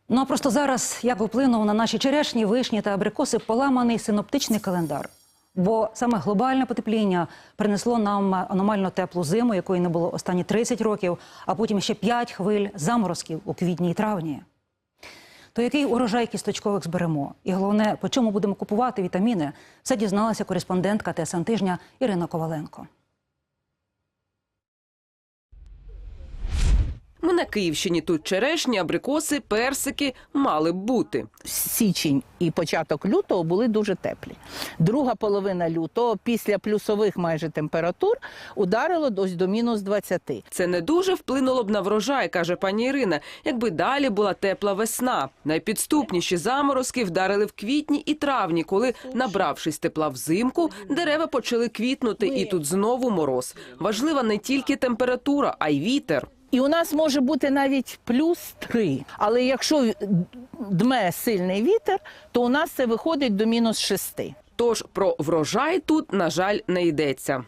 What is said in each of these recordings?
Ну а просто зараз, як вплинув на наші черешні, вишні та абрикоси поламаний синоптичний календар. Бо саме глобальне потепління принесло нам аномально теплу зиму, якої не було останні 30 років, а потім ще 5 хвиль заморозків у квітні і травні. То який урожай кісточкових зберемо? І головне, по чому будемо купувати вітаміни? Все дізналася кореспондентка ТСН Тижня Ірина Коваленко. Ми на Київщині. Тут черешні, абрикоси, персики мали б бути. Січень і початок лютого були дуже теплі. Друга половина лютого, після плюсових майже температур, ударило ось до мінус 20. Це не дуже вплинуло б на врожай, каже пані Ірина, якби далі була тепла весна. Найпідступніші заморозки вдарили в квітні і травні, коли, набравшись тепла взимку, дерева почали квітнути, і тут знову мороз. Важлива не тільки температура, а й вітер. І у нас може бути навіть плюс 3. Але якщо дме сильний вітер, то у нас це виходить до мінус 6. Тож про врожай тут, на жаль, не йдеться.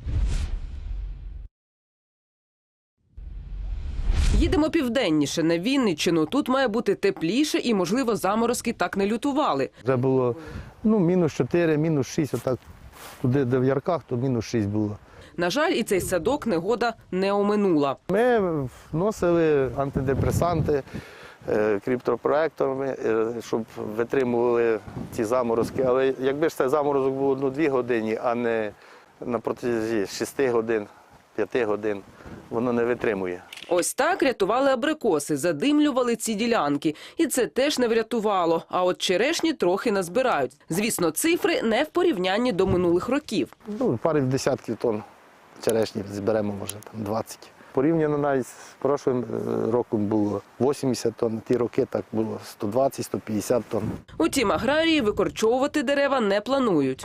Їдемо південніше, на Вінниччину. Тут має бути тепліше і, можливо, заморозки так не лютували. Вже було мінус 4, мінус 6, отак туди, де в Ярках, то мінус 6 було. На жаль, і цей садок негода не оминула. Ми вносили антидепресанти криптопроекторами, щоб витримували ці заморозки. Але якби ж цей заморозок був 1-2 години, а не на протязі 6 годин, 5 годин, воно не витримує. Ось так рятували абрикоси, задимлювали ці ділянки. І це теж не врятувало. А от черешні трохи назбирають. Звісно, цифри не в порівнянні до минулих років. Пару десятків тонн черешні зберемо, може, 20. Порівняно навіть з прошлим роком було 80 тонн, ті роки так було 120-150 тонн. Утім, аграрії викорчовувати дерева не планують.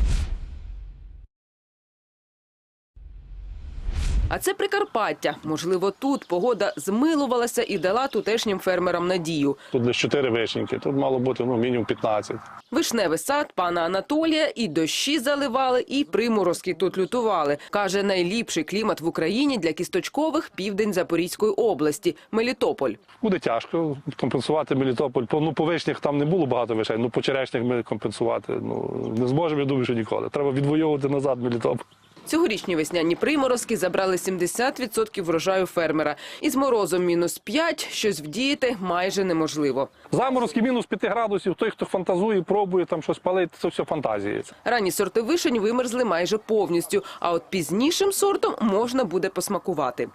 А це Прикарпаття. Можливо, тут погода змилувалася і дала тутешнім фермерам надію. Тут лише 4 вишеньки, тут мало бути мінімум 15. Вишневий сад пана Анатолія і дощі заливали, і приморозки тут лютували. Каже, найліпший клімат в Україні для кісточкових – південь Запорізької області – Мелітополь. Буде тяжко компенсувати Мелітополь. По вишнях там не було багато вишень, по черешнях ми компенсувати не зможемо, я думаю, що ніколи. Треба відвоювати назад Мелітополь. Цьогорічні весняні приморозки забрали 70% врожаю фермера. Із морозом мінус 5 щось вдіяти майже неможливо. Заморозки мінус 5 градусів, той, хто фантазує, пробує там щось палити, це все фантазії. Ранні сорти вишень вимерзли майже повністю, а от пізнішим сортом можна буде посмакувати.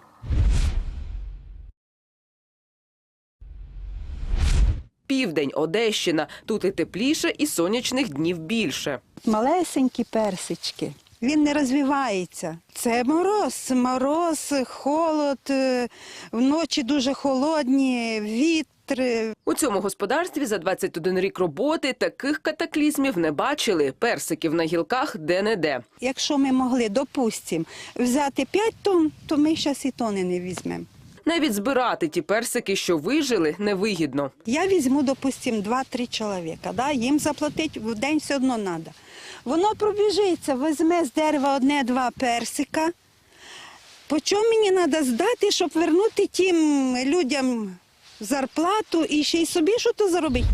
Південь, Одещина. Тут і тепліше, і сонячних днів більше. Малесенькі персички. Він не розвивається. Це мороз, холод, вночі дуже холодні, вітри. У цьому господарстві за 21 рік роботи таких катаклізмів не бачили. Персиків на гілках де-не-де. Якщо ми могли, допустимо, взяти 5 тонн, то ми зараз і тонни не візьмемо. Навіть збирати ті персики, що вижили, невигідно. Я візьму, допустимо, 2-3 чоловіка. Їм заплатити в день все одно треба. Воно пробіжиться, візьме з дерева 1-2 персика. По чому мені треба здати, щоб вернути тим людям зарплату і ще й собі щось заробити?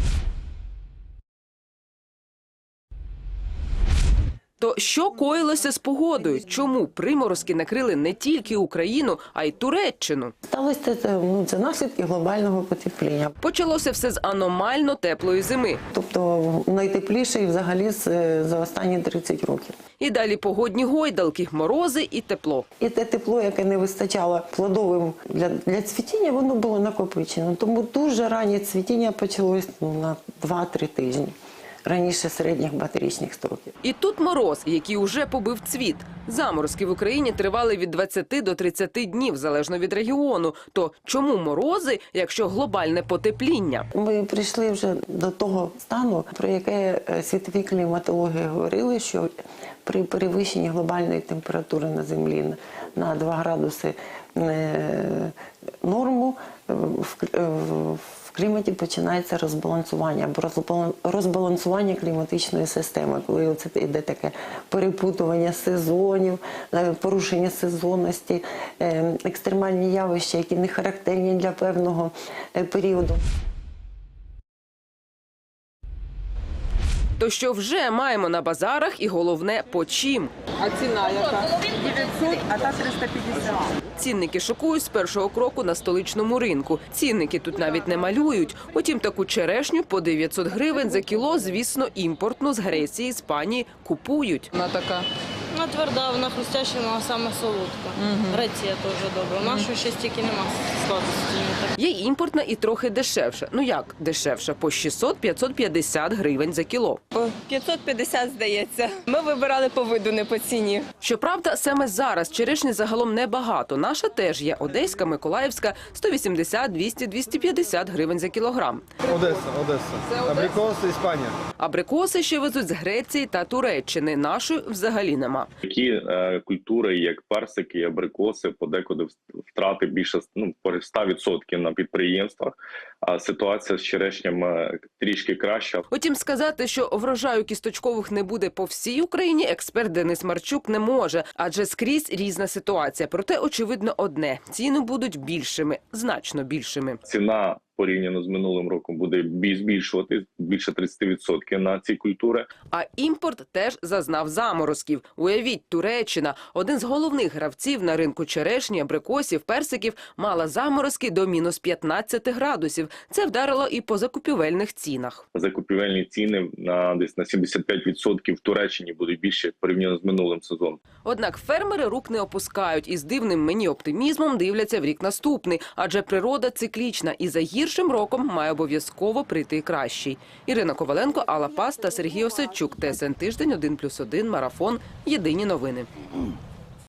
То що коїлося з погодою? Чому приморозки накрили не тільки Україну, а й Туреччину? Сталося це наслідки глобального потепління. Почалося все з аномально теплої зими. Тобто найтепліший взагалі за останні 30 років. І далі погодні гойдалки, морози і тепло. І те тепло, яке не вистачало плодовим для цвітіння, воно було накопичено. Тому дуже раннє цвітіння почалось на 2-3 тижні. Раніше середніх батарічних строків. І тут мороз, який уже побив цвіт. Заморозки в Україні тривали від 20 до 30 днів, залежно від регіону. То чому морози, якщо глобальне потепління? Ми прийшли вже до того стану, про яке світові кліматологи говорили, що при перевищенні глобальної температури на Землі на 2 градуси норму в кліматі починається розбалансування, або розбалансування кліматичної системи, коли це йде таке перепутування сезонів, порушення сезонності, екстремальні явища, які не характерні для певного періоду. То що вже маємо на базарах і головне – по чим? А ціна яка? 900, а та 350. Цінники шокують з першого кроку на столичному ринку. Цінники тут навіть не малюють. Утім, таку черешню по 900 гривень за кіло, звісно, імпортну з Греції, Іспанії купують. Вона така. Вона тверда, вона хрустяща, вона саме солодка. Греція теж добра. У нашої ще стільки нема сладості. Є імпортна і трохи дешевша. Ну як дешевша? По 600-550 гривень за кіло. По 550, здається. Ми вибирали по виду, не по ціні. Щоправда, саме зараз черешні загалом небагато. Наша теж є. Одеська, Миколаївська – 180, 200, 250 гривень за кілограм. Одеса. Абрикоси, Іспанія. Абрикоси ще везуть з Греції та Туреччини. Нашої взагалі нема. Такі культури, як персики, абрикоси, подекуди втрати більше по 100% на підприємствах, а ситуація з черешнями трішки краща. Утім, сказати, що врожаю кісточкових не буде по всій Україні, експерт Денис Марчук не може, адже скрізь різна ситуація. Проте, очевидно, одне – ціни будуть більшими, значно більшими. Ціна порівняно з минулим роком буде збільшувати більше 30% на ці культури. А імпорт теж зазнав заморозків. Уявіть, Туреччина, один з головних гравців на ринку черешні, абрикосів, персиків, мала заморозки до мінус 15 градусів. Це вдарило і по закупівельних цінах. Закупівельні ціни десь на 75% в Туреччині будуть більше порівняно з минулим сезоном. Однак фермери рук не опускають і з дивним мені оптимізмом дивляться в рік наступний. Адже природа циклічна і за гіршим роком має обов'язково прийти і кращий. Ірина Коваленко, Алла Пас та Сергій Осадчук. ТСН Тиждень, 1+1, Марафон. Єдині новини.